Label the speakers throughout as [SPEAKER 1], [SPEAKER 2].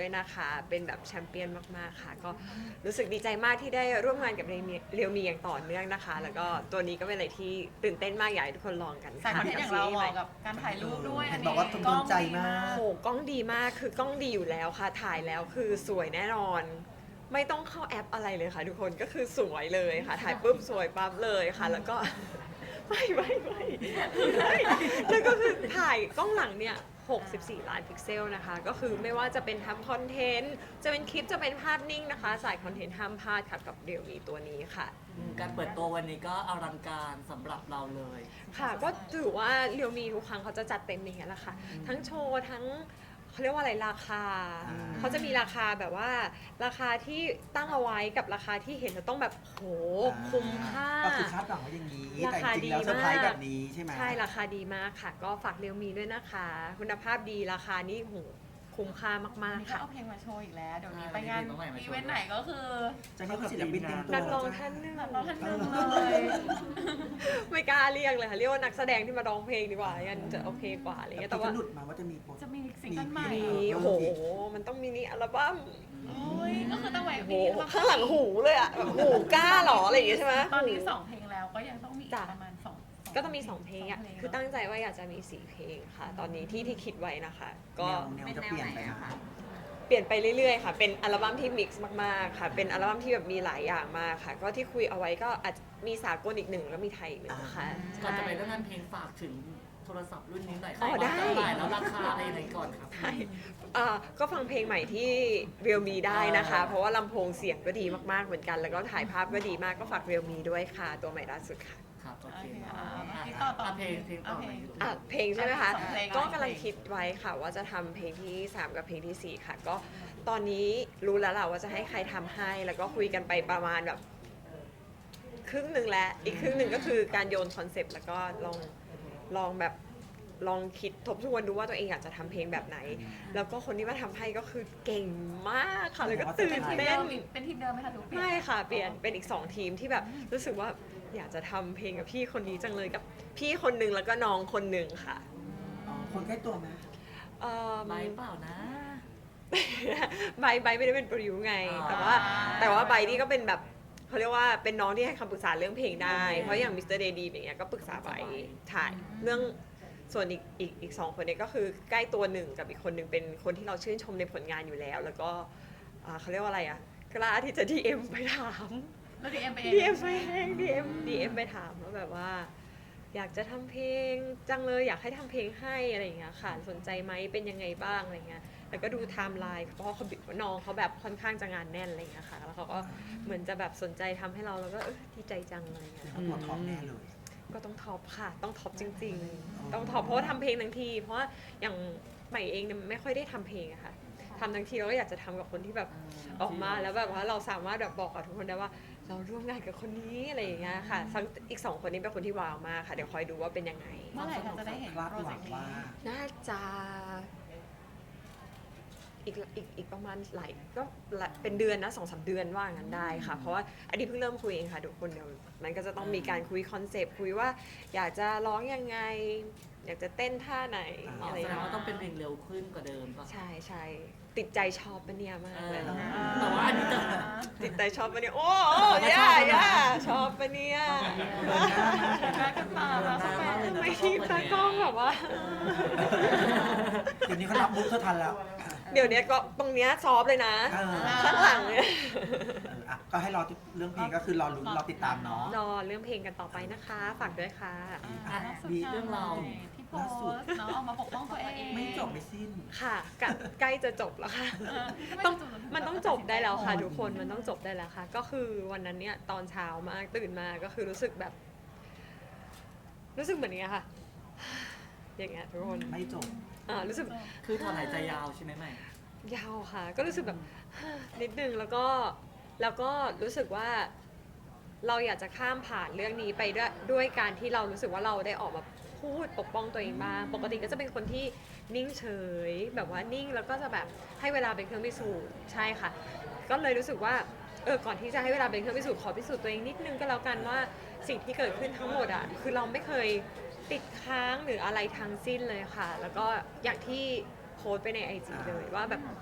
[SPEAKER 1] ด้วยนะคะเป็นแบบแชมเปี้ยนมากๆค่ะก็รู้สึกดีใจมากที่ได้ร่วมงานกับเรียวมีอย่างต่อเนื่องนะคะแล้วก็ตัวนี้ก็เป็นอะไรที่ตื่นเต้นมากอยากให้ทุกคนลองกัน
[SPEAKER 2] สายคอนเทนต์อย่างเราเหมาะกับการถ่ายรูปด้วยอันนี้
[SPEAKER 3] บอกว่าโดนใจมาก
[SPEAKER 1] โอ้โหกล้องดีมากคือกล้องดีอยู่แล้วค่ะถ่ายแล้วคือสวยแน่นอน ไม่ต้องเข้าแอปอะไรเลยค่ะทุกคนก็คือสวยเลยค่ะถ่ายปุ๊บสวยปั๊บเลยค่ะแล้วก็ ไม่แล้วก็คือถ่ายกล้องหลังเนี่ย64 ล้านพิกเซลนะคะก็คือไม่ว่าจะเป็นทำคอนเทนต์จะเป็นคลิปจะเป็นภาพนิ่งนะคะสายคอนเทนต์ห้ามพลาดค่ะกับเรียวมีตัวนี้ค่ะ
[SPEAKER 4] การเปิดตัววันนี้ก็อลังการสำหรับเราเลย
[SPEAKER 1] ค่ะก็ถือว่าเรียวมีทุกครั้งเขาจะจัดเต็มอย่างเงี้ยแหละค่ะทั้งโชว์ทั้งเขาเรียกว่าอะไรราคาเขาจะมีราคาแบบว่าราคาที่ตั้งเอาไว้กับราคาที่เห็นจะต้องแบบโหคุ้มค่า
[SPEAKER 3] ก็คือคาดหวังว่าอย่างนี้
[SPEAKER 1] รา
[SPEAKER 3] แต่
[SPEAKER 1] คา
[SPEAKER 3] จริ
[SPEAKER 1] ดี
[SPEAKER 3] งๆแล้วเซอร์ไพร
[SPEAKER 1] มาก
[SPEAKER 3] ส์แบบนี้ใช่ไหม
[SPEAKER 1] ใช่ราคาดีมากค่ะ ก็ฝากเรียวมีด้วยนะคะ คุณภาพดีราคานี่โหคุ้มค่ามาก
[SPEAKER 2] นี่
[SPEAKER 1] ๆ
[SPEAKER 2] ก็
[SPEAKER 1] ค่ะ
[SPEAKER 2] เอาเพลงมาโชว์อีกแล้วเดี๋ยวนี้
[SPEAKER 4] ใช่
[SPEAKER 2] ไปงาน
[SPEAKER 4] มีเพลงใหม่มาโชว์
[SPEAKER 2] อีเวนต์ไหนก็คือ
[SPEAKER 3] จะให้ศิลปินเต็มตัว
[SPEAKER 1] นักร้องท่านหนึง
[SPEAKER 2] นักร้องท่านหนึ่งเลย
[SPEAKER 1] ไม่กล้าเรียกเลยค่ะเรียกว่านักแสดงที่มาร้องเพลงดีกว่ายันจะโอเคกว่าอะไรเงี้ย
[SPEAKER 3] แต่
[SPEAKER 1] แต่
[SPEAKER 3] ว่า
[SPEAKER 1] ว่า
[SPEAKER 3] หลุดมาว่าจะมีโปร
[SPEAKER 2] จะมีซิงเกิลใหม่
[SPEAKER 1] มี
[SPEAKER 2] เหรอ
[SPEAKER 1] โอ้โหมันต้องมินิอัลบั้ม
[SPEAKER 2] โอ้ยก็คือตั้งไว้
[SPEAKER 1] โอ้โห
[SPEAKER 2] มี
[SPEAKER 1] ข้างหลังหูเลยอ่ะแบบหูกล้าเหรออะไรอย่างเงี้ยใช่ไหม
[SPEAKER 2] ตอนนี้2เพลงแล้วก็ยังต้องมีอีก
[SPEAKER 1] จ้ะ
[SPEAKER 2] ประมาณ2
[SPEAKER 1] ก็ต้องมี2เพลงอ่ะคือตั้งใจว่าอยากจะมี4เพลงค่ะ ตอนนี้ที่คิดไว้นะคะ ก็
[SPEAKER 3] แนวจะเปลี่ยนไปไหม
[SPEAKER 1] เปลี่ยนไปเรื่อยๆค่ะเป็นอัลบั้มที่มิกซ์มากๆค่ะเป็นอัลบั้มที่แบบมีหลายอย่างมากค่ะ ก็ที่คุยเอาไว้ก็อาจจะมีสากลอีกหนึ่งแล้วมีไทยอีกหนึ่งค่ะ
[SPEAKER 4] ก่อนจะไป
[SPEAKER 1] ใช่
[SPEAKER 4] เรื่องงานเพลงฝากถึงโทรศัพท์รุ่นนี้หน่อย
[SPEAKER 1] อ๋อได้
[SPEAKER 4] ว่าจะขายแล้วราคาอะไรไหนก่อนครับ
[SPEAKER 1] ใช่ก็ฟังเพลงใหม่ที่เรียลมีได้นะคะ เพราะว่าลำโพงเสียงก็ดีมากๆเหมือนกัน แล้วก็ถ่ายภาพก็ดีมากก็ฝากเรียลมีด้วยค่ะ ตัวใหม่ล่าสุดค่ะ
[SPEAKER 4] ครับโอ
[SPEAKER 2] โอ
[SPEAKER 4] เค
[SPEAKER 2] เค
[SPEAKER 4] อ่ะ
[SPEAKER 2] ที่ต่อ
[SPEAKER 4] เพลงต่อไหน
[SPEAKER 1] เพลงใช่ไหมคะ
[SPEAKER 2] สองเพลง
[SPEAKER 1] ก็กำลังคิดไว้ค่ะว่าจะทำเพลงที่ 3 กับเพลงที่ 4 ค่ะ ก็ตอนนี้รู้แล้วแหละว่าจะให้ใครทำให้ แล้วก็คุยกันไปประมาณแบบครึ่งหนึ่งแล้ว อีกครึ่งหนึ่งก็คือการโยนคอนเซปต์แล้วก็ลองแบบลองคิดทบทวนดูว่าตัวเองอยากจะทำเพลงแบบไหน แล้วก็คนที่มาทำให้ก็คือเก่งมากค่ะแล้วก็ตื่
[SPEAKER 2] เป็น
[SPEAKER 1] น
[SPEAKER 2] ทีม
[SPEAKER 1] เต้
[SPEAKER 2] เดิ
[SPEAKER 1] น
[SPEAKER 2] มเป็นทีมเดิมไหมคะหรือเปลี่ยน
[SPEAKER 1] ไม่ค่ะเปลี่ยนเป็นอีก2ทีมที่แบบรู้สึกว่าอยากจะทำเพลงกับพี่คนนี้จังเลยกับพี่คนหนึ่งแล้วก็น้องคนหนึ่งค่ะ
[SPEAKER 3] อ๋อคนใกล้ตัวไหม
[SPEAKER 1] เอ่อ
[SPEAKER 4] ไลฟ์เปล่านะ
[SPEAKER 1] ใบไม่ได้เป็นโปรดิวไง
[SPEAKER 4] อ๋อ
[SPEAKER 1] แต่ว่าใบนี่ก็เป็นแบบเขาเรียกว่าเป็นน้องที่ให้คำปรึกษาเรื่องเพลงได้ เพราะอย่างมิสเตอร์เดดีอย่างเงี้ยก็ปรึกษาใบถ่ายเรื่องส่วนอีก2 คนเนี้ก็คือใกล้ตัวหนึ่งกับอีกคนหนึ่งเป็นคนที่เราชื่นชมในผลงานอยู่แล้ว แล้วก็เขาเรียกว่าอะไรอ่ะกล้าที่จะ DM ไปถาม
[SPEAKER 2] แล้วดีเอ็มไปเอง
[SPEAKER 1] DM ไปเอง DM ไปถามว่าแบบว่า อยากจะทำเพลงจังเลยอยากให้ทำเพลงให้อะไรอย่างเงี้ยค่ะสนใจไหมเป็นยังไงบ้างอะไรเงี้ยแล้วก็ดูไทม์ไลน์เพราะว่าน้องเขาแบบค่อนข้างจะงานแน่นอะไรเงี้ยค่ะแล้วเขาก็เหมือนจะแบบสนใจทำให้เราแล้วก็ดีใจจังอะไรเงี้ย
[SPEAKER 3] เขาตัวท็อปแน่เลย
[SPEAKER 1] ก็ต้องท็อปค่ะต้องท็อปจริงๆต้องท็อปเพราะว่าทำเพลงทั้งทีเพราะว่าอย่างใหม่เองเนี่ยไม่ค่อยได้ทำเพลงอะค่ะทำทั้งทีเราก็อยากจะทำกับคนที่แบบออกมาแล้วแบบว่าเราสามารถแบบบอกกับทุกคนได้ว่า เราร่วมงานกับคนนี้อะไรอย่างเงี้ยค่ะทั้งอีก2 คนนี้เป็นคนที่ว้าวมากค่ะเดี๋ยวคอยดูว่าเป็นยังไง
[SPEAKER 2] เมื่อไหร่เราจะได้เห็น
[SPEAKER 3] คาด
[SPEAKER 2] โปร
[SPEAKER 3] ห
[SPEAKER 2] เจ
[SPEAKER 3] วั
[SPEAKER 2] ก
[SPEAKER 3] ง
[SPEAKER 2] ต์
[SPEAKER 3] ว่า
[SPEAKER 2] นี้
[SPEAKER 1] น่าจะอีกประมาณหลายก็เป็นเดือนนะ2-3 เดือนว่างั้นได้ค่ะ เพราะว่าอันนี้เพิ่งเริ่มคุยเองค่ะทุกคนเดี๋ยวมันก็จะต้องมีการคุยคอนเซปต์คุยว่าอยากจะร้องยังไง อยากจะเต้นท่าไหน
[SPEAKER 4] อ๋อ
[SPEAKER 1] อะไร
[SPEAKER 4] แส
[SPEAKER 1] อย่าง
[SPEAKER 4] ดง
[SPEAKER 1] เงี้
[SPEAKER 4] ว่าย ต้องเป็นเพลงเร็วขึ้นกว่าเดิมป่ะ
[SPEAKER 1] ใช่ติดใจชอบปะเนี่ยมากเลย
[SPEAKER 4] แต่ว่าอันนี้จะ
[SPEAKER 1] ติดใจชอบปะเนี่ยโอ้ย่าชอบปะเนี่ย
[SPEAKER 2] รักกันมาแล้วสักแป๊บ
[SPEAKER 1] ไม่ทีตากล้องแบบว่า
[SPEAKER 3] เดี๋ยวนี้เขารับมุกเธอทันแล้ว
[SPEAKER 1] เดี๋ยวเนี้ยก็ตรงเนี้ยซอฟต์เลยนะ
[SPEAKER 3] เออ
[SPEAKER 1] ข้างหลังเนี่ย
[SPEAKER 3] อ่ะก็ให้รอเรื่องเพลงก็คือรอลุ้นรอติดตามเนาะ
[SPEAKER 1] รอเรื่องเพลงกันต่อไปนะคะ ฝากด้วยค่ะ
[SPEAKER 2] อ่าล่าสุด
[SPEAKER 3] มี
[SPEAKER 2] เรื่องเราที่โพสต์เนาะออกมาปกป้องตัวเอง
[SPEAKER 3] ไม่จบไม่สิ้น
[SPEAKER 1] ค่ะใกล้จะจบแล้วค่ะ มันต้องจบได้แล้วค่ะทุกคน มันต้องจบได้แล้วค่ะ ก็คือวันนั้นเนี่ยตอนเช้ามากตื่นมาก็คือรู้สึกแบบ รู้สึกเหมือนเนี้ยค่ะ อย่างเงี้ยทุกคน
[SPEAKER 3] ไม่จบ
[SPEAKER 1] รู้สึก
[SPEAKER 4] คือถอนหายใจยาวใช่ไหมใหม่
[SPEAKER 1] ยาวค่ะ ก็รู้สึกแบบ นิดนึงแล้วก็รู้สึกว่า เราอยากจะข้ามผ่านเรื่องนี้ไปด้วยการที่เรารู้สึกว่าเราได้ออกมาพูดปกป้องตัวเองบ้างปกติก็จะเป็นคนที่นิ่งเฉยแบบว่านิ่งแล้วก็จะแบบให้เวลาเป็นเครื่องพิสูจน์ใช่ค่ะ ก็เลยรู้สึกว่าก่อนที่จะให้เวลาเป็นเครื่องพิสูจน์ขอพิสูจน์ตัวเองนิดนึงก็แล้วกันว่าสิ่งที่เกิดขึ้นทั้งหมดอ่ะคือเราไม่เคยติดค้างหรืออะไรทั้งสิ้นเลยค่ะ แล้วก็อย่างที่โพสต์ไปใน IG เลยว่าแบบข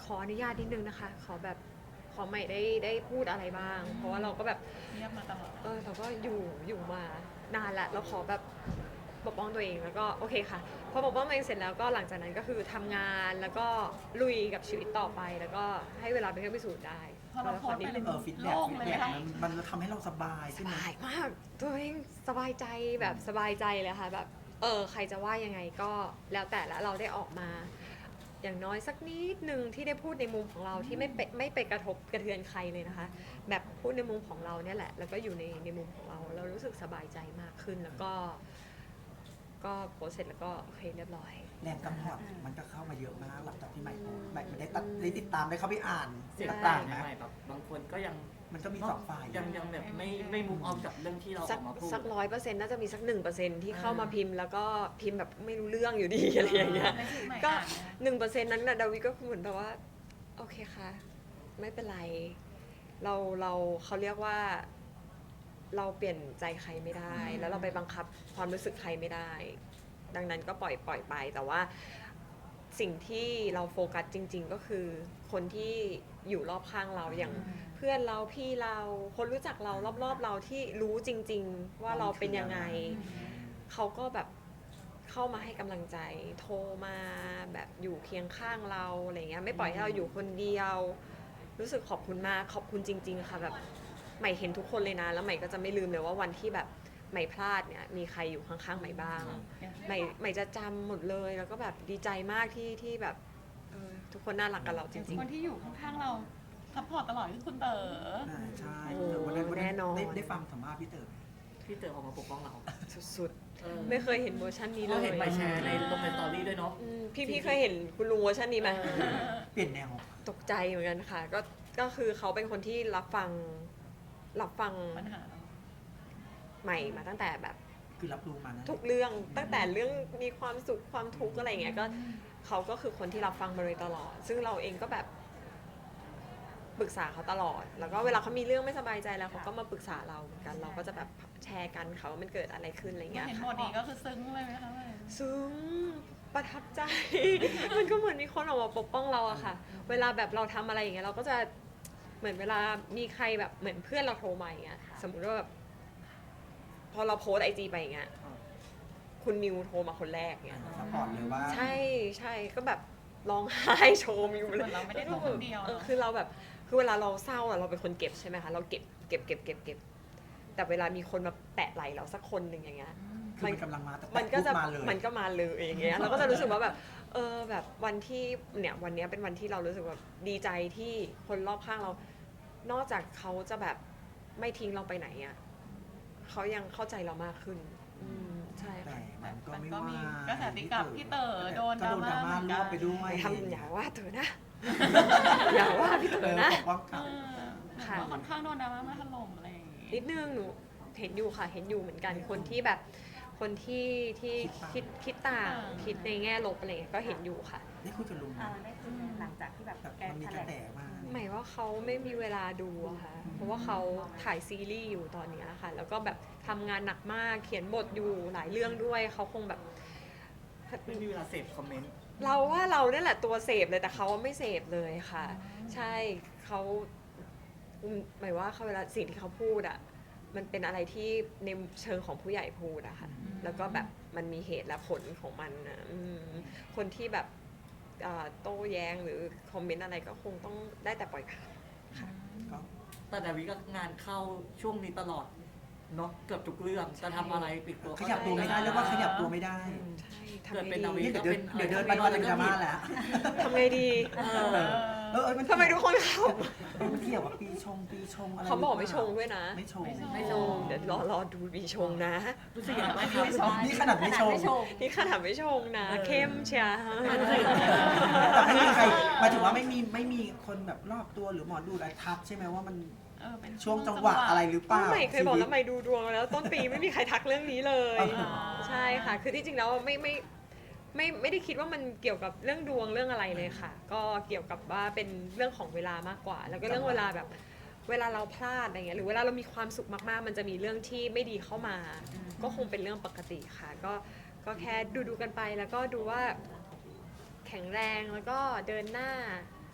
[SPEAKER 1] ออนุญาตนิดนึงนะคะ ขอแบบขอใหม่ได้พูดอะไรบ้าง เพราะว่าเราก็แบบ
[SPEAKER 2] เงียบมาตลอด
[SPEAKER 1] เราก็อยู่มานานแล้วเราขอแบบปกป้องตัวเองแล้วก็โอเคค่ะพอปกป้องตัวเองเสร็จแล้วก็หลังจากนั้นก็คือทำงานแล้วก็ลุยกับชีวิตต่อไป แล้วก็ให้เวลาเป็นเครื่องพิสูจน์ได้
[SPEAKER 2] พอเราโพสต์ไป
[SPEAKER 1] นิดนึง
[SPEAKER 3] ฟีด
[SPEAKER 2] โล่
[SPEAKER 3] แบ็ก
[SPEAKER 2] งเลยไหมคะ
[SPEAKER 3] มันทำให้เราสบาย
[SPEAKER 1] ส
[SPEAKER 3] ใช่ไหม
[SPEAKER 1] บายมากตัวเองสบายใจแบบสบายใจเลยค่ะแบบใครจะว่ายังไงก็แล้วแต่ละเราได้ออกมา อย่างน้อยสักนิดนึงที่ได้พูดในมุมของเราที่ไม่ไปกระทบกระเทือนใครเลยนะคะ แบบพูดในมุมของเราเนี่ยแหละ แล้วก็อยู่ในมุมของเรารู้สึกสบายใจมากขึ้นแล้วก็โพสต์เสร็จแล้วก็โอเคเรียบร้อย
[SPEAKER 3] แรงกำพอดมันก็เข้ามาเยอะมากหลังจากที่ใหม่โพสต์ใหม่ได้ติดตามได้เข้าไปอ่าน
[SPEAKER 4] เสียง
[SPEAKER 3] ต่างๆนะ
[SPEAKER 4] ใหม่แบบบางคนก็ยัง
[SPEAKER 3] มันก็มีสองฝ่าย
[SPEAKER 4] ยังแบบไม่มุมออกกับเรื่องที่เราออกมาพูด
[SPEAKER 1] สัก100%น่าจะมีสัก 1%ที่เข้ามาพิมพ์แล้วก็พิมพ์แบบไม่รู้เรื่องอยู่ดีอะไรอย่างเงี้ย
[SPEAKER 2] ไม่ใช่ใหม่
[SPEAKER 1] ก็
[SPEAKER 2] อ่านนะ
[SPEAKER 1] 1%นั้นนะดาวิก็เหมือนแบบว่าโอเคค่ะไม่เป็นไรเขาเรียกว่าเราเปลี่ยนใจใครไม่ได้ แล้วเราไปบังคับความรู้สึกใครไม่ได้ ดังนั้นก็ปล่อยไปแต่ว่าสิ่งที่เราโฟกัสจริง ๆ ก็คือคนที่อยู่รอบข้างเราอย่างเพื่อนเราพี่เราคนรู้จักเรารอบๆเราที่รู้จริง ๆ ว่าเราเป็นยังไง เขาก็แบบเข้ามาให้กำลังใจโทรมาแบบอยู่เคียงข้างเราอะไรเงี้ยไม่ปล่อยให้เราอยู่คนเดียว รู้สึกขอบคุณมากขอบคุณจริง ๆ ค่ะแบบใหม่เห็นทุกคนเลยนะแล้วใหม่ก็จะไม่ลืมเลยว่าวันที่แบบใหม่พลาดเนี่ยมีใครอยู่ข้างๆใหม่บ้างใหม่จะจำหมดเลยแล้วก็แบบดีใจมากที่แบบทุกคนน่ารักกับเราจริง
[SPEAKER 2] คนที่อยู่ข้างๆเราซัพพอร์ตตลอดคือคุณเต๋อ
[SPEAKER 3] ใช่
[SPEAKER 1] โอ้
[SPEAKER 3] วันนั้น
[SPEAKER 1] แน่นอน
[SPEAKER 3] ได้ฟังสัมภาษณ์พี่เต๋อไหม
[SPEAKER 4] พี่เต๋อออกมาปกป้องเรา
[SPEAKER 1] ๆสุด
[SPEAKER 4] เออ
[SPEAKER 1] ๆไม่เคยเห็นเวอร์ชันนี้เล
[SPEAKER 4] เรา
[SPEAKER 1] ย
[SPEAKER 4] เห็นใหม่แชร์ในลงในสตอรี่ด้วยเนาะ
[SPEAKER 1] พี่เคยเห็นคุณลุงเวอร์ชันนี้ไหม
[SPEAKER 3] เปลี่ยนแนว
[SPEAKER 1] ตกใจเหมือนกันค่ะก็คือเขาเป็นคนที่รับฟัง
[SPEAKER 2] ปัญหา
[SPEAKER 1] ใหม่มาตั้งแต่แบบ
[SPEAKER 3] คือรับรู้มานะ
[SPEAKER 1] ทุกเรื่องตั้งแต่เรื่องมีความสุขความทุกข์อะไรอย่างเงี้ยก็เขาก็คือคนที่รับฟังมาโดยตลอด ซึ่งเราเองก็แบบปรึกษาเขาตลอด แล้วก็เวลาเขามีเรื่องไม่สบายใจแล้วเขาก็มาปรึกษาเราเหมือนกัน เราก็จะแบบแชร์กันค่ะว่ามันเกิดอะไรขึ้นอะไร
[SPEAKER 2] เมื่
[SPEAKER 1] เงี้
[SPEAKER 2] อย เห็น
[SPEAKER 1] ค่ะ
[SPEAKER 2] บทนี้ก็คือซึ้งเลยไหมคะ
[SPEAKER 1] ซึ้งประทับใจ มันก็เหมือนมีคนออกมาปกป้องเราอะค่ะ เวลาแบบเราทำอะไรอย่างเงี้ยเราก็จะเหมือนเวลามีใครแบบเหมือนเพื่อนเราโทรมาอย่างเงี้ยสมมติว่าแบบพอเราโพสไอจีไปอย่างเงี้ยคุณมิวโทรมาคนแรกเงี้ย
[SPEAKER 3] ซัพพอร์ตเลยว่า
[SPEAKER 1] ใช่ก็แบบร้องไห้โชว์มิวเลย
[SPEAKER 2] เหมือนเราไม่ได้โทรคนเดียวเนอะ
[SPEAKER 1] คือเราแบบคือเวลาเราเศร้าอะเราเป็นคนเก็บใช่ไหมคะเราเก็บแต่เวลามีคนมาแตะไหลเราสักคนหนึ่งอย่างเงี้ย
[SPEAKER 3] คือมันกำลังมาแต่
[SPEAKER 1] มันก็จะ
[SPEAKER 3] ปุ๊บมาเลย
[SPEAKER 1] มันก็มาเลยอย่างเงี้ยเราก็จะรู้สึกว่าแบบแบบวันที่เนี่ยวันเนี้ยเป็นวันที่เรารู้สึกแบบดีใจที่คนรอบข้างเรา นอกจากเขาจะแบบไม่ทิ้งเราไปไหนอ่ะเขายังเข้าใจเรามากขึ้นใช่
[SPEAKER 3] แต่
[SPEAKER 1] ค่ะ
[SPEAKER 3] มันก็ไม่
[SPEAKER 2] ก็
[SPEAKER 3] ว่า
[SPEAKER 2] มีกระแสตีกลับพี่เต๋อโดน
[SPEAKER 3] ก็โดนดราม่า
[SPEAKER 2] เหมือนกัน
[SPEAKER 3] รวบไปด้วย
[SPEAKER 1] ทำอย่าว่าเธอนะ อย่าว่าพี่เต๋อนะ
[SPEAKER 3] ปกป้อง
[SPEAKER 2] เอ
[SPEAKER 3] เขา
[SPEAKER 2] อเหมือนว่าค่อนข้างโดนดราม่ามาถล่มอะไรอย่างงี้
[SPEAKER 1] นิดนึงหนูเห็นอยู่ค่ะเห็นอยู่เหมือนกันคนที่แบบคนที่คิดต่างคิดในแง่ลบอะไรอย่างเงี้ยก็เห็นอยู่ค่ะ
[SPEAKER 3] ได้คุยกับลุงไหม
[SPEAKER 5] ได้คุยกันหลังจากที่แบบ
[SPEAKER 3] แบบ
[SPEAKER 5] แก
[SPEAKER 3] มันมี
[SPEAKER 5] แถ
[SPEAKER 3] ก
[SPEAKER 5] ล
[SPEAKER 3] ระ
[SPEAKER 5] ง
[SPEAKER 3] แสมา
[SPEAKER 1] หมายว่าเขาไม่มีเวลาดูอะค่ะ เพราะว่าเขาถ่ายซีรีส์อยู่ตอนเนี้ยค่ะ แล้วก็แบบทำงานหนักมาก เขียนบทอยู่หลายเรื่องด้วย เขาคงแบบ
[SPEAKER 4] ไม่มีเวลาเสพคอมเมนต์
[SPEAKER 1] เราว่าเราเนี่ยแหละตัวเสพเลย แต่เขาไม่เสพเลยค่ะ ใช่เขาหมายว่าเขาเวลาสิ่งที่เขาพูดอะมันเป็นอะไรที่ในเชิงของผู้ใหญ่พูดอะค่ะ แล้วก็แบบมันมีเหตุและผลของมันนะคนที่แบบโต้แย้งหรือคอมเมนต์อะไรก็คงต้องได้แต่ปล่อยผ่าน
[SPEAKER 3] ก็
[SPEAKER 4] แต่ดาวิก็งานเข้าช่วงนี้ตลอดเนาะเกือบทุกเรื่องจะทำอะไรปิดตัว
[SPEAKER 3] ขยับตัวไม่ได้เรียกว่าขยับตัวไม่ได้
[SPEAKER 1] ใช่
[SPEAKER 4] เกิด
[SPEAKER 1] ทำไง
[SPEAKER 4] เป็นดาวิ
[SPEAKER 1] ดี
[SPEAKER 3] นี่เดี๋ยวเดินไปก็จะดราม่าแล้ว
[SPEAKER 1] ทำไงดี
[SPEAKER 3] มัน
[SPEAKER 1] ทำไมทุกคนเขา
[SPEAKER 3] มันเกี่ยวกับปีชงอะไร
[SPEAKER 1] เขาบอกไม่ชงด้วยนะ
[SPEAKER 3] ไม่ชง
[SPEAKER 4] ไม่ชง
[SPEAKER 1] เดี๋ยวรอดูปีชงนะ
[SPEAKER 4] รู้สึกอย่างไรครับ
[SPEAKER 3] นี่ขนาดไม่ชง
[SPEAKER 1] นี่ขนาดไม่ชงนะ เข้มเชียร์
[SPEAKER 3] แต่ไม่มีใครหมายถึงว่าไม่มีคนแบบรอบตัวหรือหมอดูอะไรทักใช่ไหมว่ามัน
[SPEAKER 2] เป็น
[SPEAKER 3] ช่วงจังหวะอะไรหรือเปล่า
[SPEAKER 1] ใหม่เคยบอกแล้วใหม่ดูดวงมาแล้ว ต้นปีไม่มีใครทักเรื่องนี้เลย ใช่ค่ะ คือที่จริงแล้วไม่ได้คิดว่ามันเกี่ยวกับเรื่องดวงเรื่องอะไรเลยค่ะ ก็เกี่ยวกับว่าเป็นเรื่องของเวลามากกว่า แล้วก็เรื่องเวลาแบบเวลาเราพลาดอะไรเงี้ยหรือเวลาเรามีความสุขมากๆ มันจะมีเรื่องที่ไม่ดีเข้ามา ก็คงเป็นเรื่องปกติค่ะ ก็แค่ดูกันไปแล้วก็ดูว่าแข็งแรงแล้วก็เดินหน้าท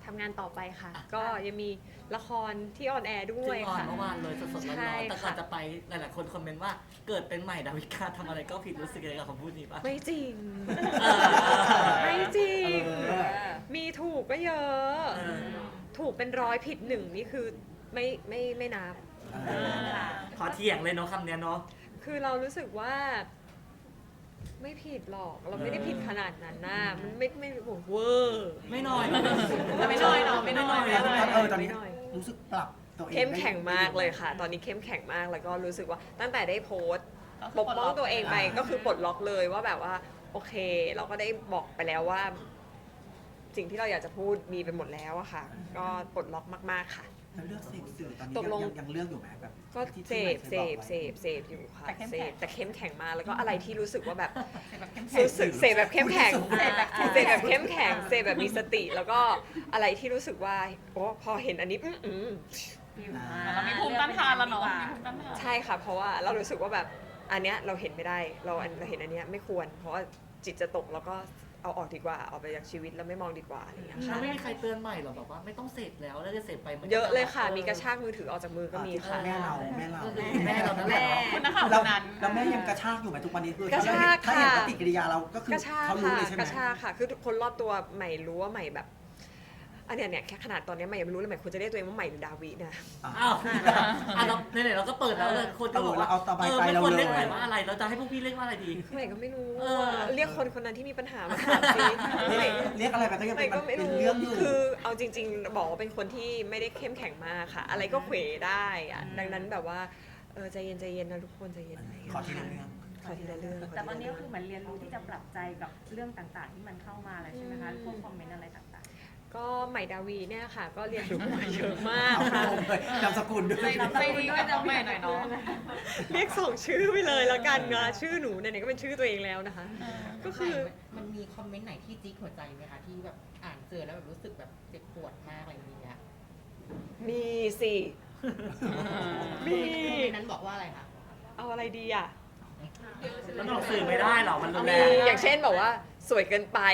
[SPEAKER 1] ทำงานต่อไปค่ะ ก็ยังมีละครที่ออนแอร์ด้ว
[SPEAKER 4] ซึ่
[SPEAKER 1] ย
[SPEAKER 4] งออน
[SPEAKER 1] ค่ะ
[SPEAKER 4] เมื่อวานเลยสดๆร้
[SPEAKER 1] ใช่
[SPEAKER 4] อนๆแต่ก่อน
[SPEAKER 1] ค่ะ
[SPEAKER 4] จะไปหลายๆคนคอมเมนต์ว่าเกิดเป็นใหม่ดาวิกาทำอะไรก็ผิดรู้สึกยังไงกับคำพูดนี้ปะ
[SPEAKER 1] ไม่จริง
[SPEAKER 4] เออ
[SPEAKER 1] ไม่จริง
[SPEAKER 3] เ
[SPEAKER 1] มีถูกก็เยอะ
[SPEAKER 4] เออ
[SPEAKER 1] ถูกเป็น100ผิด1นี่คือไม่นับ
[SPEAKER 3] เออ
[SPEAKER 4] ขอเถียงเลยเนาะคำเนี้ยเนาะ
[SPEAKER 1] คือเรารู้สึกว่า ไม่ผิดหรอก เราไม่ได้ผิดขนาดนั้นนะมันไม่โอ้โหเวอร์
[SPEAKER 4] ไม่น้อย
[SPEAKER 2] ไม่น้อยเนาะไม่น้อย
[SPEAKER 4] ไม่น้อย
[SPEAKER 3] ตอนนี้รู้สึกปรับตัวเอง
[SPEAKER 1] เข้มแข็งมากเลยค่ะ ตอนนี้เข้มแข็งมากแล้วก็รู้สึกว่าตั้งแต่ได้โพสต์ปกป้องตัวเองไปก็คือปลดล็อกเลยว่าแบบว่า โอเค เราก็ได้บอกไปแล้วว่า สิ่งที่เราอยากจะพูดมีไปหมดแล้วอะค่ะ ก็ปลดล็อกมากๆค่ะ
[SPEAKER 3] แล้วเลือกเสพสื่อตอนนี้
[SPEAKER 1] ตกลง
[SPEAKER 3] ยังเลือกอยู่ไหมแบบ
[SPEAKER 1] ก็
[SPEAKER 3] ที่
[SPEAKER 1] เส
[SPEAKER 3] ที่
[SPEAKER 1] พ
[SPEAKER 3] ให
[SPEAKER 1] เส
[SPEAKER 3] ม่
[SPEAKER 1] พ
[SPEAKER 3] ค
[SPEAKER 1] เส
[SPEAKER 3] ยบอกไว้
[SPEAKER 1] พเสพอยู่ค่ะเสพแต่เข้มแข็งมากแล้วก็อะไรที่รู้สึกว่าแบบ
[SPEAKER 2] แบบเข้มแข็ง
[SPEAKER 1] รู้สึกเสพแบบเข้มแข็ง
[SPEAKER 2] เสพแบบเข้ม
[SPEAKER 1] เส
[SPEAKER 2] แข็ง
[SPEAKER 1] พแบบเข้มแข็งเสพแบบมีสติ แล้วก็อะไรที่รู้สึกว่าโอ้พอเห็นอันนี้
[SPEAKER 2] เรามีภูมิต้านทานแล้วเนาะมีภูมิต้านทาน
[SPEAKER 1] ใช่ค่ะเพราะว่าเรารู้สึกว่าแบบอันเนี้ยเราเห็นไม่ได้เราเห็นอันเนี้ยไม่ควร เพราะว่าจิตจะตกแล้วก็เอาออกดีกว่าเอาไปจากชีวิตแล้วไม่มองดีกว่าอะไรอย่างเงี้ย
[SPEAKER 4] แล้
[SPEAKER 1] ค่ะ
[SPEAKER 4] วไม่มีใครเตือนใหม่หรอแบบว่าไม่ต้องเสพแล้วแล้วจะเสพไปมัน
[SPEAKER 1] เยอะเลยค่ะ มีกระชากมือถือออกจากมือก็มีค่ะ
[SPEAKER 3] แม่เรา
[SPEAKER 4] แม่เรานั่นแหละ
[SPEAKER 2] คุณนักข่าวค
[SPEAKER 3] เรา
[SPEAKER 2] นนั้น
[SPEAKER 3] แล้วแม่ยังกระชากอยู่ไหมทุกวันนี้คือก
[SPEAKER 1] ระชาก
[SPEAKER 3] ถ้าเห็น
[SPEAKER 1] ค่ะ
[SPEAKER 3] ปฏิกิริยาเราก็คือก
[SPEAKER 1] ระชาก
[SPEAKER 3] เขารู้
[SPEAKER 1] ค่ะ
[SPEAKER 3] เลยใช่ไหม
[SPEAKER 1] กระชากค่ะ คือทุกคนรอบตัวใหม่รู้ว่าใหม่แบบอันเนี้ยเนี่ยแค่ขนาดตอนเนี้ยใหม่ยังไม่รู้เลยใหม่ควรจะเรียกตัวเองว่าใหม่หรือดาวินะ
[SPEAKER 4] อ้าวเราไหนๆเราก็เปิดแล้วเลยคนก็บอกว่า
[SPEAKER 3] เอาสบายใจ
[SPEAKER 4] ไม่
[SPEAKER 3] เรา
[SPEAKER 4] ควร
[SPEAKER 3] เล
[SPEAKER 4] เรียกใหม่
[SPEAKER 3] ย
[SPEAKER 4] ว่าอะไรเราจะให้พวกพี่เรียกว่าอะไรดี
[SPEAKER 1] ใหม่ก็ไม่รู้
[SPEAKER 4] เออ
[SPEAKER 1] เรียกคนคนนั้นที่มีปัญหามาถามสิใหม่
[SPEAKER 3] เรียกอะไรไปก็ยัง
[SPEAKER 1] ใหม่
[SPEAKER 3] เป็น
[SPEAKER 1] ก็ไม่
[SPEAKER 3] เป็น
[SPEAKER 1] รู้
[SPEAKER 3] เรื่องอยู่
[SPEAKER 1] คือเอาจริง ๆ บอกว่าเป็นคนที่ไม่ได้เข้มแข็งมากค่ะ อะไรก็เขวได้อะดังนั้นแบบว่าใจเย็นๆนะทุกคนใจเย็นอะไรอย่างเงี้ย
[SPEAKER 3] ขอทีละเรื่อง
[SPEAKER 1] ขอทีละเรื่อง
[SPEAKER 5] แต่ตอนนี้ก็คือเหมือนเรียนรู้ที่จะปรับใจกับเรื่องต่างๆ ที่มันเข้ามาแล้วใช่ไหมคะพวกคอมเมนต์อะไรต่าง
[SPEAKER 1] ก็ใหม่ดาวีเนี่ยค่ะ ก็เรียนรู้มาเยอะมาก
[SPEAKER 3] เอา
[SPEAKER 1] ค่ะ
[SPEAKER 3] ลงเลยนามสกุลด้วย
[SPEAKER 2] ใจดีกับน้องใหม่หน่อยเนาะ
[SPEAKER 1] เรียกส่งชื่อไปเลยแล้วกันนะชื่อหนูไหนๆก็เป็นชื่อตัวเองแล้วนะคะ ก็คือ
[SPEAKER 6] มันมีคอมเมนต์ไหนที่จิ๊กหัวใจไหมคะที่แบบอ่านเจอแล้วแบบรู้สึกแบบเจ็บปวดมากอะไรอย่างเงี้ย
[SPEAKER 1] มีสิ มี
[SPEAKER 6] ในนั้นบอกว่าอะไรคะ
[SPEAKER 1] เอาอะไรดีอ่ะ
[SPEAKER 4] มันออกสื่อไม่ได้หรอมันรุนแร
[SPEAKER 1] มี
[SPEAKER 4] ง
[SPEAKER 1] อย่างเช่นบอกว่าสวยเกินไป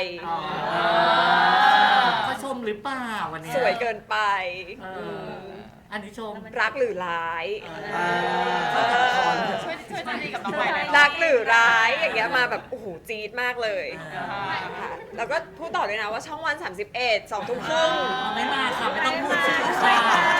[SPEAKER 4] เขาชมหรือเปล่าวันเนี้ย
[SPEAKER 1] สวยเกินไป
[SPEAKER 4] เอออันนี้ชม
[SPEAKER 1] รักหรือร้าย
[SPEAKER 3] อ่า
[SPEAKER 2] ช่วยใจดีกับน้องใหม่หน่อย
[SPEAKER 1] รักหรือร้ายอย่างเงี้ยมาแบบโอ้โหจี๊ดมากเลย
[SPEAKER 4] อ่า
[SPEAKER 1] ค่ะแล้วก็พูดต่อเลยนะว่าช่องวัน 31 2 ทุ่มครึ่ง
[SPEAKER 4] ไม่มาค่ะไม่ต้องพูดชื่อค่ะ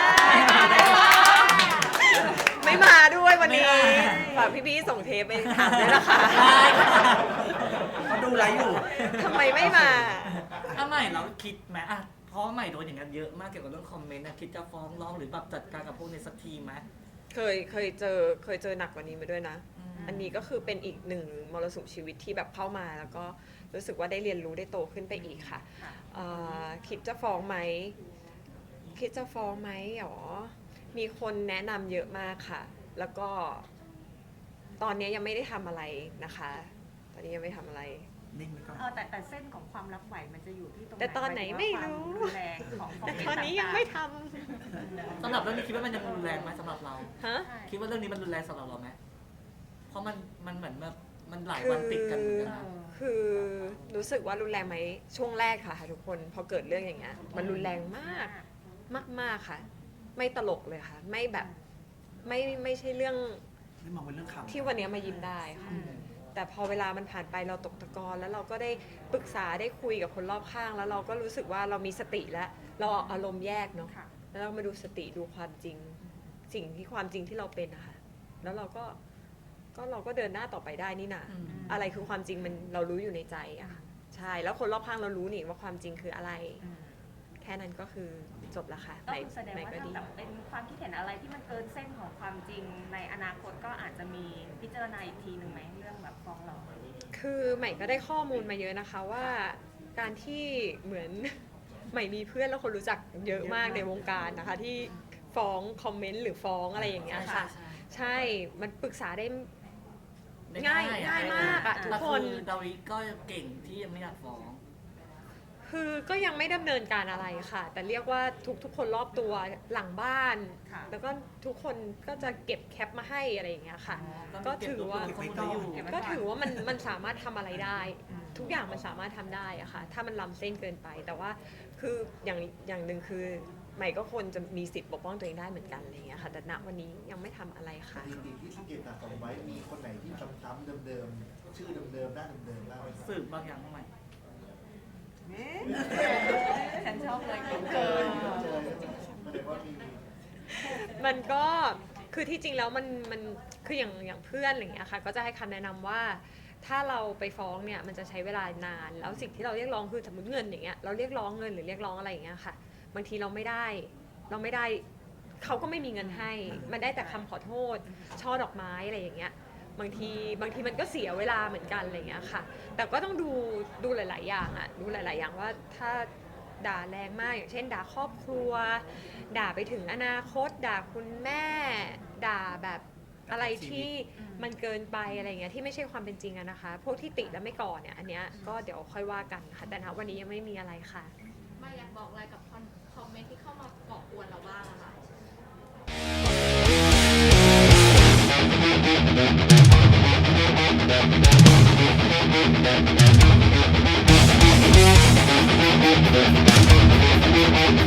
[SPEAKER 1] ไม่มาด้วยวันนี้
[SPEAKER 4] ไม่มา
[SPEAKER 1] ฝากพี่ๆส่งเทปไปถามด้วยนะคะ
[SPEAKER 4] ได้ค่ะ
[SPEAKER 3] เขาดูไลฟ์อยู่
[SPEAKER 1] ทำไมไม่มา
[SPEAKER 4] ถ้าใหม่เราคิดไหมอ่ะเพราะว่าใหม่โดนอย่างนั้นเยอะมากเกี่ยวกับเรื่องคอมเมนต์นะคิดจะฟ้องร้องหรือแบบจัดการกับพวกนี้สักทีไหม
[SPEAKER 1] เคยเจอหนักกว่านี้มาด้วยนะ อันนี้ก็คือเป็นอีกหนึ่งมรสุมชีวิตที่แบบเข้ามาแล้วก็รู้สึกว่าได้เรียนรู้ได้โตขึ้นไปอีกค่ะคิดจะฟ้องไหมคิดจะฟ้องไหมหรอมีคนแนะนำเยอะมากค่ะ แล้วก็ตอนนี้ยังไม่ได้ทำอะไรนะคะ ตอนนี้ยังไม่ทำอะไร
[SPEAKER 3] นิ่งไว้ก่อน
[SPEAKER 5] ๆแต่เส้นของความรับไหวมันจะอยู่ที่ตรงไหน
[SPEAKER 1] แต่ตอนไหนไม่รู้
[SPEAKER 5] หายถึงว่าความรุนแรงของคอม
[SPEAKER 1] แต่
[SPEAKER 5] เมนต์
[SPEAKER 1] ตอนนี้ยัง
[SPEAKER 5] ต่างๆ
[SPEAKER 1] ไม่ท
[SPEAKER 4] สำหรับเรื่องนี้คิดว่ามันยังรุนแรงไหมสำหรับเรา
[SPEAKER 1] ำฮะ
[SPEAKER 5] ใช่
[SPEAKER 4] คิดว่าเรื่องนี้มันรุนแรงสำหรับเราไหมเพราะมันเหมือนแบบมันหลายวันติดกันเหมือนกันนะ
[SPEAKER 1] คือรู้สึกว่ารุนแรงไหมช่วงแรกค่ะทุกคนพอเกิดเรื่องอย่างเงี้ยมันรุนแรงมากมากๆค่ะ ไม่ตลกเลยค่ะ ไม่แบบไม่ใช่เรื่อง
[SPEAKER 3] ไม่มองเป็นเรื่องขำ
[SPEAKER 1] ที่วันนี้มายิ้มได้ค่ะ แต่พอเวลามันผ่านไปเราตกตะกอนแล้วเราก็ได้ปรึกษาได้คุยกับคนรอบข้าง แล้วเราก็รู้สึกว่าเรามีสติแล้ว เราเอาอารมณ์แยกเนาะ
[SPEAKER 5] ค่ะ
[SPEAKER 1] แล้วเรามาดูสติดูความจริง สิ่งที่ความจริงที่เราเป็นนะคะแล้วเราก็เราก็เดินหน้าต่อไปได้นี่นา
[SPEAKER 4] อืม
[SPEAKER 1] อะไรคือความจริงมันเรารู้อยู่ในใจอะค่ะใช่แล้วคนรอบข้างเรารู้นี่ว่าความจริงคืออะไร แค่นั้นก็คือจบละค่ะ
[SPEAKER 5] ก็คือแสดง
[SPEAKER 1] ไหน
[SPEAKER 5] ว่า
[SPEAKER 1] ก็
[SPEAKER 5] ถ้า
[SPEAKER 1] ดี
[SPEAKER 5] แบบเป็นความคิดเห็นอะไรที่มันเกินเส้นของความจริงในอนาคตก็อาจจะมีพิจารณาอีกทีหนึ่งไหมเรื่องแบบฟ้องร้อง
[SPEAKER 1] คือใหม่ก็ได้ข้อมูลมาเยอะนะคะว่าการที่เหมือน ใหม่มีเพื่อนแล้วคนรู้จักเยอะมากในวงการนะคะ ที่ฟ้องคอมเมนต์หรือฟ้องอะไรอย่างเงี้ยค่ะ ใช่มันปรึกษาได้ ง่ายมากอะทุกคน
[SPEAKER 4] แต่อดาวิก็เก่งที่ยังไม่อยากฟ้อง
[SPEAKER 1] คือก็ยังไม่ดำเนินการอะไรค่ะ แต่เรียกว่าทุกคนรอบตัวหลังบ้าน
[SPEAKER 5] ค่ะ
[SPEAKER 1] แล้วก็ทุกคนก็จะเก็บแคปมาให้อะไรอย่างเงี้ยค่ะ
[SPEAKER 4] ก็
[SPEAKER 1] ก็ถือว่า
[SPEAKER 4] เก็บข้อมูลไว้อยู่
[SPEAKER 1] ก็ถือว่ามันสามารถทำอะไรได้ ทุกอย่างมันสามารถทำได้อะค่ะ ถ้ามันล้ำเส้นเกินไป แต่ว่าคืออย่างหนึ่งคือใหม่ก็ควรจะมีสิทธิ์ปกป้องตัวเองได้เหมือนกันอะไรอย่างเงี้ยค่ะแต่ณวันนี้ยังไม่ทำอะไร
[SPEAKER 7] ส
[SPEAKER 1] ค่ะ
[SPEAKER 7] ถิติที่สังเกตสะสมไว้มีคนไหนที่ซ้ำๆเดิมๆชื่อเดิมๆหน้าเดิมๆบ้างไหมครับ
[SPEAKER 4] สืบบางอย่างใหม่
[SPEAKER 5] ฉันชอบเลย
[SPEAKER 7] เจอแสดงว่ามี
[SPEAKER 1] มันก็คือที่จริงแล้วมันคืออย่างเพื่อนอะไรอย่างเงี้ยค่ะก็จะให้คำแนะนำว่าถ้าเราไปฟ้องเนี่ยมันจะใช้เวลานานแล้วสิ่งที่เราเรียกร้องคือสมมติเงินอย่างเงี้ยเราเรียกร้องเงินหรือเรียกร้องอะไรอย่างเงี้ยค่ะบางทีเราไม่ได้เขาก็ไม่มีเงินให้มันได้แต่คำขอโทษช่อดอกไม้อะไรอย่างเงี้ยบางทีมันก็เสียเวลาเหมือนกันอะไรอย่างเงี้ยค่ะแต่ก็ต้องดูหลายๆอย่างอะดูหลายๆอย่างว่าถ้าด่าแรงมากอย่างเช่นด่าครอบครัวด่าไปถึงอนาคตด่าคุณแม่ด่าแบบอะไรที่มันเกินไปอะไรเงี้ยที่ไม่ใช่ความเป็นจริงอะนะคะพวกที่ติแล้วไม่ก่อเนี่ยอันเนี้ยก็เดี๋ยวค่อยว่ากันค่ะแต่ณวันนี้ยังไม่มีอะไรค่ะ
[SPEAKER 8] ไม่อยากบอกอะไรกับคอมเมนต์ที่เข้ามาก่อกวนเราบ้างอะค่ะ
[SPEAKER 7] เ